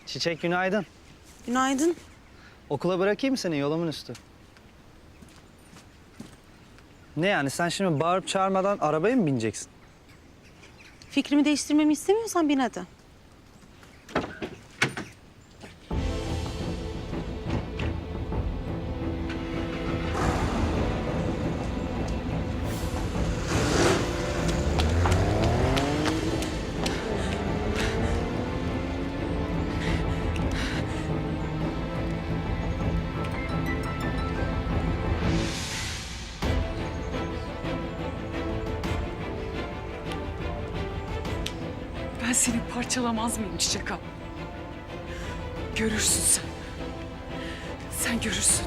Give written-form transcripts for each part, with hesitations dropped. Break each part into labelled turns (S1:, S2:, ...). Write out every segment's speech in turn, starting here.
S1: Çiçek günaydın.
S2: Günaydın.
S1: Okula bırakayım mı seni yolumun üstü? Ne yani sen şimdi bağırıp çağırmadan arabaya mı bineceksin?
S2: Fikrimi değiştirmemi istemiyorsan bin hadi.
S3: Ben seni parçalamaz mıyım Çiçek abla? Görürsün sen. Sen görürsün.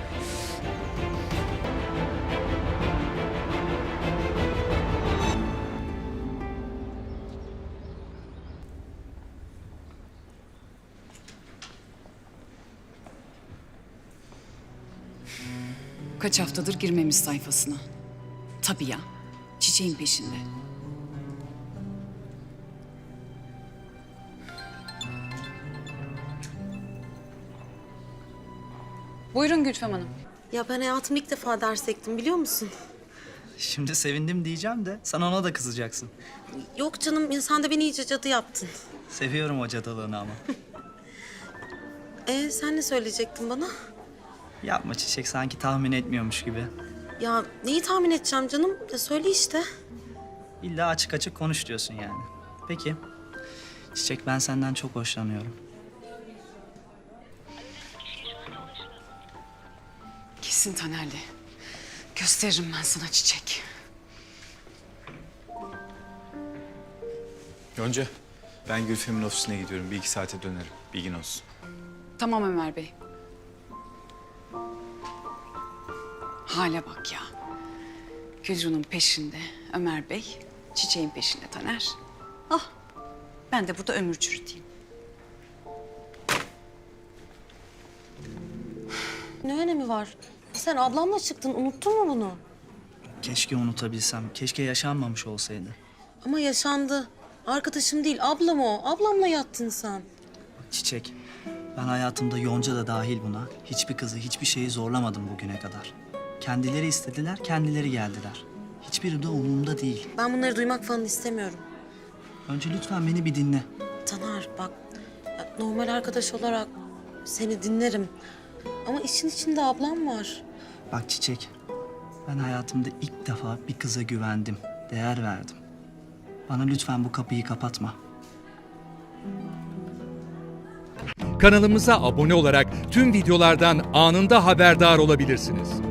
S3: Kaç haftadır girmemiş sayfasına. Tabii ya, Çiçeğin peşinde. Buyurun Gülfem Hanım.
S2: Ya ben hayatımda ilk defa ders ektim biliyor musun?
S1: Şimdi sevindim diyeceğim de sen ona da kızacaksın.
S2: Yok canım sen de beni iyice cadı yaptın.
S1: Seviyorum o cadılığını ama.
S2: Sen ne söyleyecektin bana?
S1: Yapma Çiçek sanki tahmin etmiyormuş gibi.
S2: Ya neyi tahmin edeceğim canım? Ya söyle işte.
S1: İlla açık açık konuş diyorsun yani. Peki. Çiçek ben senden çok hoşlanıyorum.
S3: Kesin Taner'le. Gösteririm ben sana Çiçek.
S4: Yonca, ben Gülfem'in ofisine gidiyorum. Bir iki saate dönerim. Bilgin olsun.
S3: Tamam Ömer Bey. Hale bak ya. Gülru'nun peşinde Ömer Bey, Çiçeğin peşinde Taner. Ah, ben de burada ömür çürüteyim.
S2: Ne önemi var? Sen ablamla çıktın unuttun mu bunu?
S1: Keşke unutabilsem. Keşke yaşanmamış olsaydı.
S2: Ama yaşandı. Arkadaşım değil ablam o. Ablamla yattın sen.
S1: Çiçek, ben hayatımda Yonca da dahil buna hiçbir kızı, hiçbir şeyi zorlamadım bugüne kadar. Kendileri istediler, kendileri geldiler. Hiçbiri de umurumda değil.
S2: Ben bunları duymak falan istemiyorum.
S1: Önce lütfen beni bir dinle.
S2: Taner bak ya, normal arkadaş olarak seni dinlerim. Ama işin içinde ablam var.
S1: Bak Çiçek, ben hayatımda ilk defa bir kıza güvendim, değer verdim. Bana lütfen bu kapıyı kapatma.
S5: Kanalımıza abone olarak tüm videolardan anında haberdar olabilirsiniz.